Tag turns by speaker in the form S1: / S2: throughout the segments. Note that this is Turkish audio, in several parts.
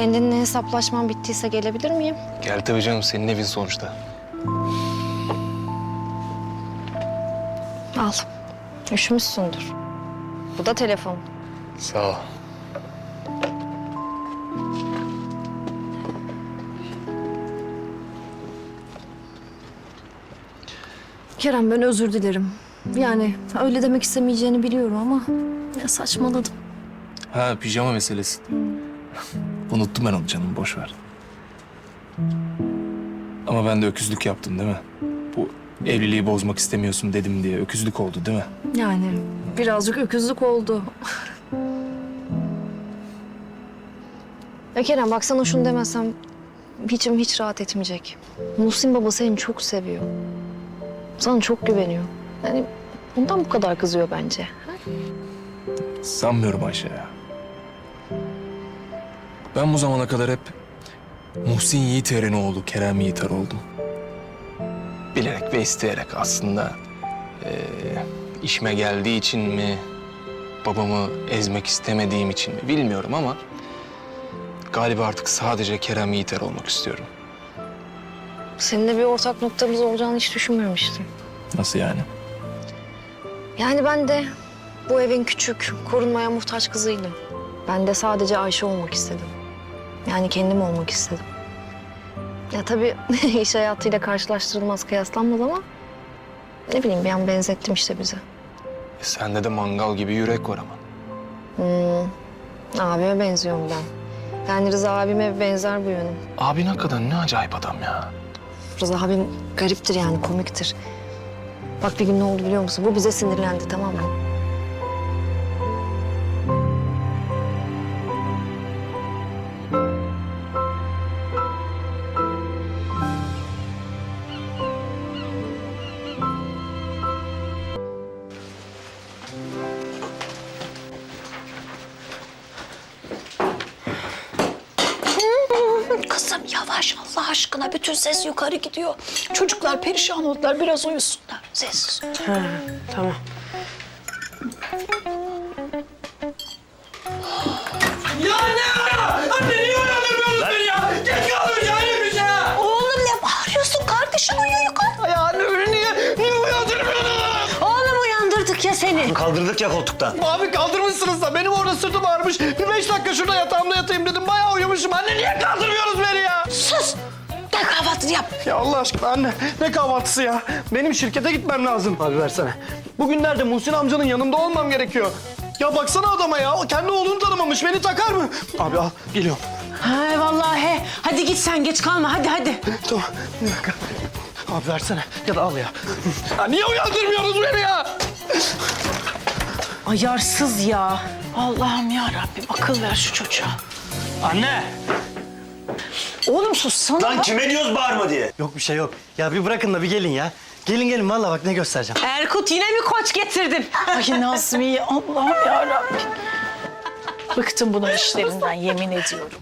S1: Kendinle hesaplaşman bittiyse gelebilir miyim?
S2: Gel tabii canım, senin evin sonuçta.
S1: Al. Üşümüşsündür. Bu da telefon.
S2: Sağ ol.
S1: Kerem, ben özür dilerim. Yani öyle demek istemeyeceğini biliyorum ama ya saçmaladım.
S2: Ha, pijama meselesi. Unuttum ben onu canım, boş ver. Ama ben de öküzlük yaptım değil mi? Bu evliliği bozmak istemiyorsun dedim diye öküzlük oldu değil mi?
S1: Yani birazcık öküzlük oldu. Ya Kerem, bak sana şunu demesem içim hiç rahat etmeyecek. Muhsin baba seni çok seviyor. Sana çok güveniyor. Yani bundan bu kadar kızıyor bence.
S2: Sanmıyorum Ayşe ya. Ben bu zamana kadar hep Muhsin Yiğiter'in oğlu Kerem Yiğiter oldum. Bilerek ve isteyerek aslında. İşime geldiği için mi, babamı ezmek istemediğim için mi bilmiyorum ama galiba artık sadece Kerem Yiğiter olmak istiyorum.
S1: Seninle bir ortak noktamız olacağını hiç düşünmemiştim.
S2: Nasıl yani?
S1: Yani ben de bu evin küçük, korunmaya muhtaç kızıydım. Ben de sadece Ayşe olmak istedim. Yani kendim olmak istedim. Ya tabii iş hayatıyla karşılaştırılmaz, kıyaslanmaz ama ne bileyim bir an benzettim işte bize.
S2: Sende de mangal gibi yürek var ama.
S1: Abime benziyorum ben. Yani Rıza abime benzer bu yönüm.
S2: Abin hakikaten ne acayip adam ya.
S1: Rıza abim gariptir yani, komiktir. Bak bir gün ne oldu biliyor musun? Bu bize sinirlendi, tamam mı?
S3: Kızım yavaş Allah aşkına, bütün ses yukarı gidiyor. Çocuklar perişan oldular, biraz uyusunlar. Sessiz.
S4: Ha, tamam.
S5: Ya anne! Anne niye uyandırmıyorsunuz beni ya? Geç kaldım ya hepimiz ya!
S3: Oğlum ne bağırıyorsun? Kardeşim uyuyor yukarı.
S5: Ya anne beni niye uyandırmıyorsunuz?
S4: Oğlum uyandırdık ya seni.
S6: Kaldırdık ya koltuktan.
S5: Abi kaldırmışsınız da benim orada sırtım ağrımış. Bir 5 dakika şurada yatağımda yatayım dedim. Bayağı uyumuşum. Anne niye kaldırmıyorsunuz beni ya?
S3: Sus. Gel kahvaltını yap.
S5: Ya Allah aşkına anne ne kahvaltısı ya? Benim şirkete gitmem lazım. Abi versene. Bugünlerde Muhsin amcanın yanında olmam gerekiyor. Ya baksana adama ya. O kendi oğlunu tanımamış. Beni takar mı? Abi al geliyorum.
S4: Ha vallahi. Hadi git sen, geç kalma, hadi.
S5: Tamam bir dakika. Abi versene ya da al ya. Ya niye uyandırmıyorsunuz beni ya?
S4: Ayarsız ya. Allah'ım ya Rabbim, akıl ver şu çocuğa.
S5: Anne.
S4: Oğlum sussana.
S6: Lan kime diyoruz bağırma diye?
S7: Yok bir şey yok. Ya bir bırakın da bir gelin ya. Gelin vallahi bak ne göstereceğim.
S4: Erkut yine mi koç getirdin?
S3: Ay Nazmiye, Allah'ım ya Rabbim. Bıktım bunun işlerinden, yemin ediyorum.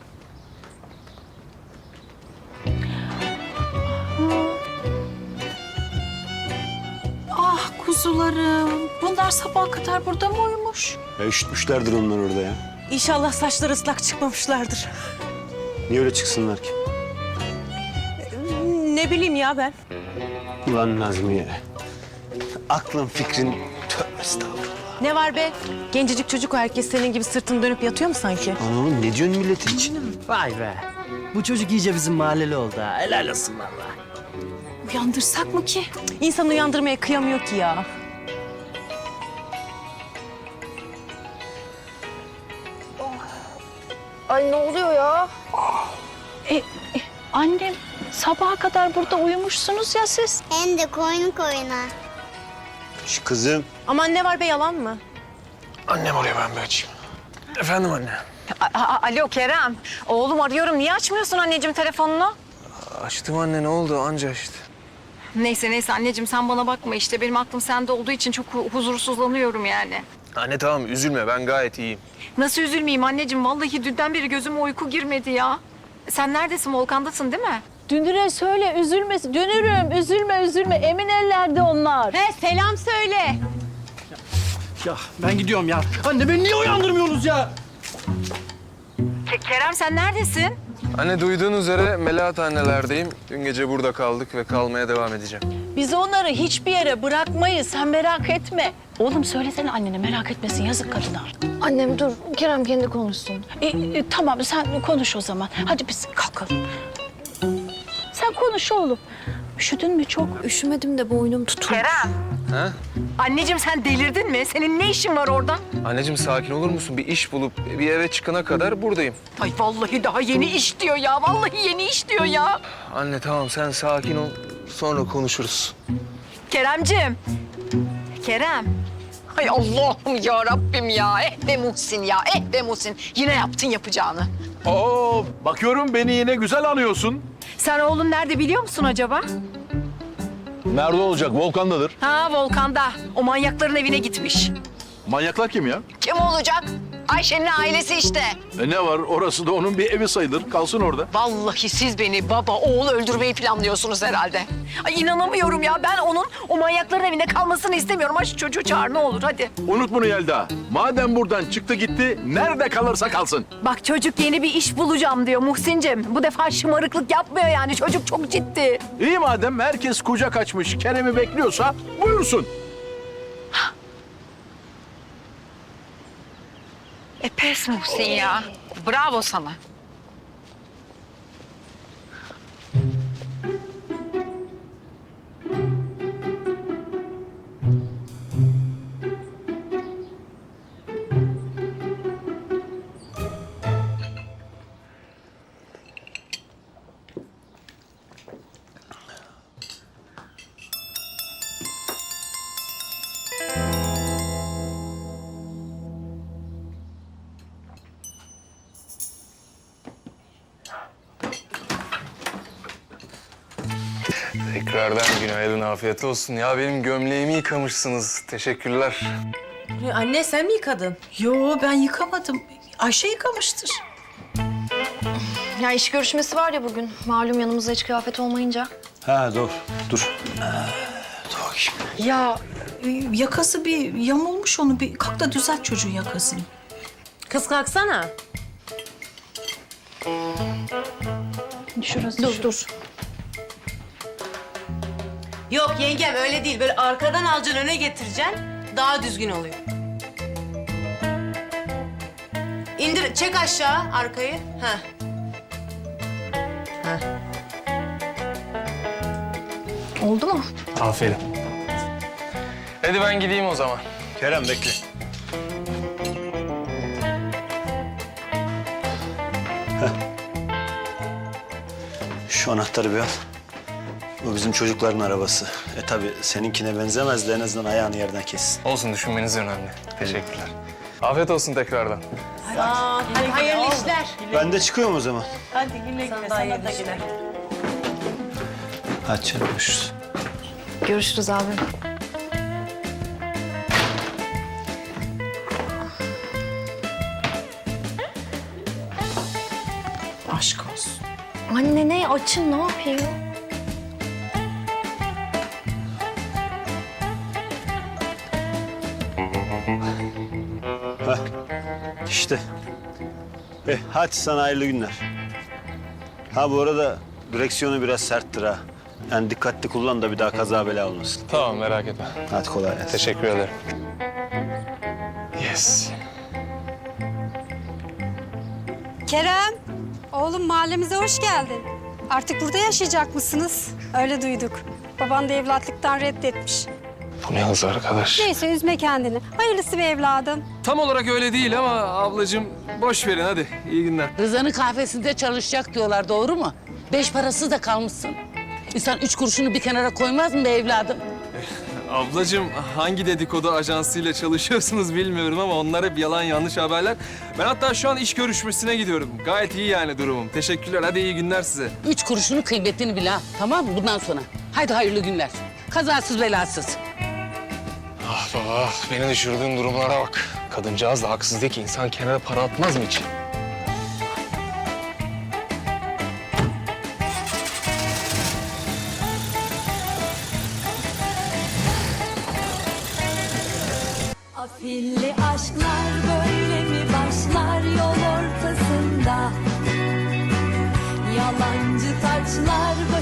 S3: Ah kuzularım. Bunlar sabaha kadar burada mı uyumuş?
S6: Ya üşütmüşlerdir onlar orada ya.
S4: İnşallah saçları ıslak çıkmamışlardır.
S6: Niye öyle çıksınlar ki?
S4: Ne bileyim ya ben.
S6: Ulan Nazmiye. Aklın fikrin tövbe estağfurullah.
S4: Ne var be? Gencecik çocuk o, herkes senin gibi sırtını dönüp yatıyor mu sanki?
S6: Anam ne diyorsun milletin içine?
S7: Vay be. Bu çocuk iyice bizim mahalleli oldu ha. Helal olsun vallahi.
S3: Uyandırsak mı ki?
S4: İnsan uyandırmaya kıyamıyor ki ya.
S1: Ay ne oluyor ya?
S3: Annem, sabaha kadar burada uyumuşsunuz ya siz.
S8: Hem de koyun koyuna.
S6: Şu kızım.
S4: Aman ne var be, yalan mı?
S2: Annem oraya, ben bir açayım. Efendim anne.
S4: Alo Kerem. Oğlum arıyorum. Niye açmıyorsun anneciğim telefonunu?
S2: Açtım anne, ne oldu anca işte.
S1: Neyse anneciğim, sen bana bakma işte. Benim aklım sende olduğu için çok huzursuzlanıyorum yani.
S2: Anne tamam üzülme, ben gayet iyiyim.
S1: Nasıl üzülmeyeyim anneciğim? Vallahi dünden beri gözüme uyku girmedi ya. Sen neredesin? Volkan'dasın değil mi?
S9: Dünür'e söyle üzülmesin. Dünürüm üzülme. Emin ellerde onlar.
S4: He, selam söyle.
S5: Ya ben gidiyorum ya. Anne beni niye uyandırmıyorsunuz ya?
S4: Kerem sen neredesin?
S2: Anne duyduğun üzere Melahat annelerdeyim. Dün gece burada kaldık ve kalmaya devam edeceğim.
S9: Biz onları hiçbir yere bırakmayız. Sen merak etme. Oğlum söylesene annene merak etmesin. Yazık kadına.
S1: Annem dur, Kerem kendi konuşsun.
S9: Tamam sen konuş o zaman. Hadi biz kalkalım. Sen konuş oğlum. Üşüdün mü çok?
S1: Üşümedim de boynum tutulmuş.
S4: Kerem.
S2: Ha?
S4: Anneciğim sen delirdin mi? Senin ne işin var orada?
S2: Anneciğim sakin olur musun? Bir iş bulup bir eve çıkana kadar buradayım.
S4: Ay vallahi daha yeni iş diyor ya. Vallahi yeni iş diyor ya.
S2: Anne tamam sen sakin ol. Sonra konuşuruz.
S4: Keremciğim. Kerem. Ay Allah'ım ya Rabbim ya. Be Muhsin ya. Be Muhsin. Yine yaptın yapacağını.
S8: Oo, bakıyorum beni yine güzel anıyorsun.
S4: Sen oğlun nerede biliyor musun acaba?
S8: Nerede olacak? Volkan'dadır.
S4: Ha Volkan'da. O manyakların evine gitmiş.
S8: Manyaklar kim ya?
S4: Kim olacak? Ayşe'nin ailesi işte.
S8: Ne var? Orası da onun bir evi sayılır. Kalsın orada.
S4: Vallahi siz beni baba, oğul öldürmeyi planlıyorsunuz herhalde. Ay inanamıyorum ya. Ben onun o manyakların evinde kalmasını istemiyorum. Ay şu çocuğu çağır ne olur hadi.
S8: Unut bunu Yelda. Madem buradan çıktı gitti, nerede kalırsa kalsın.
S4: Bak çocuk yeni bir iş bulacağım diyor Muhsin'cim. Bu defa şımarıklık yapmıyor yani. Çocuk çok ciddi.
S8: İyi madem herkes kucak açmış, Kerem'i bekliyorsa buyursun.
S4: Pes Muhsin ya. Bravo sana.
S2: Tekrardan günaydın, afiyet olsun. Ya benim gömleğimi yıkamışsınız. Teşekkürler.
S10: Anne sen mi yıkadın?
S3: Yo ben yıkamadım. Ayşe yıkamıştır.
S1: Ya iş görüşmesi var ya bugün. Malum yanımızda hiç kıyafet olmayınca.
S6: Ha dur.
S3: Ya yakası bir yamulmuş onu. Bir kalk da düzelt çocuğun yakasını.
S10: Kız kalksana.
S3: Şurası
S1: Dur.
S10: Yok yengem öyle değil. Böyle arkadan alacaksın öne getireceksin. Daha düzgün oluyor. İndir, çek aşağı arkayı. Ha.
S1: Oldu mu?
S2: Aferin. Hadi ben gideyim o zaman.
S6: Kerem bekle. Şu anahtarı bir al. Bu bizim çocukların arabası. Tabii seninkine benzemez de en azından ayağını yerden kessin.
S2: Olsun, düşünmeniz önemli. Teşekkürler. Afiyet olsun tekrardan.
S10: Hadi hayırlı işler.
S6: Ben de çıkıyorum o zaman.
S10: Hadi güle güle. Sana da güle.
S6: Hadi canım görüşürüz.
S1: Görüşürüz abi.
S3: aşk olsun.
S1: Anne ne açın ne yapayım?
S6: İşte. Hadi sana hayırlı günler. Ha bu arada direksiyonu biraz serttir ha. Yani dikkatli kullan da bir daha kaza bela olmasın.
S2: Tamam, merak etme.
S6: Hadi kolay gelsin.
S2: Teşekkür ederim. Yes.
S11: Kerem, oğlum mahallemize hoş geldin. Artık burada yaşayacak mısınız? Öyle duyduk. Baban da evlatlıktan reddetmiş.
S2: Bu ne hız arkadaş?
S11: Neyse üzme kendini. Hayırlısı be evladım.
S2: Tam olarak öyle değil ama ablacığım boş verin hadi. İyi günler.
S12: Rıza'nın kahvesinde çalışacak diyorlar, doğru mu? 5 parası da kalmışsın. İnsan 3 kuruşunu bir kenara koymaz mı be evladım?
S2: Ablacığım hangi dedikodu ajansıyla çalışıyorsunuz bilmiyorum ama onlar hep yalan yanlış haberler. Ben hatta şu an iş görüşmesine gidiyorum. Gayet iyi yani durumum. Teşekkürler. Hadi iyi günler size.
S12: 3 kuruşunun kıymetini bil ha, tamam mı bundan sonra? Haydi hayırlı günler. Kazasız belasız.
S2: Ah baba, beni düşürdüğün durumlara bak. Kadıncağız da haksız değil ki. İnsan kenara para atmaz mı hiç?
S11: Afilli aşklar böyle mi başlar yol ortasında?
S13: taçlar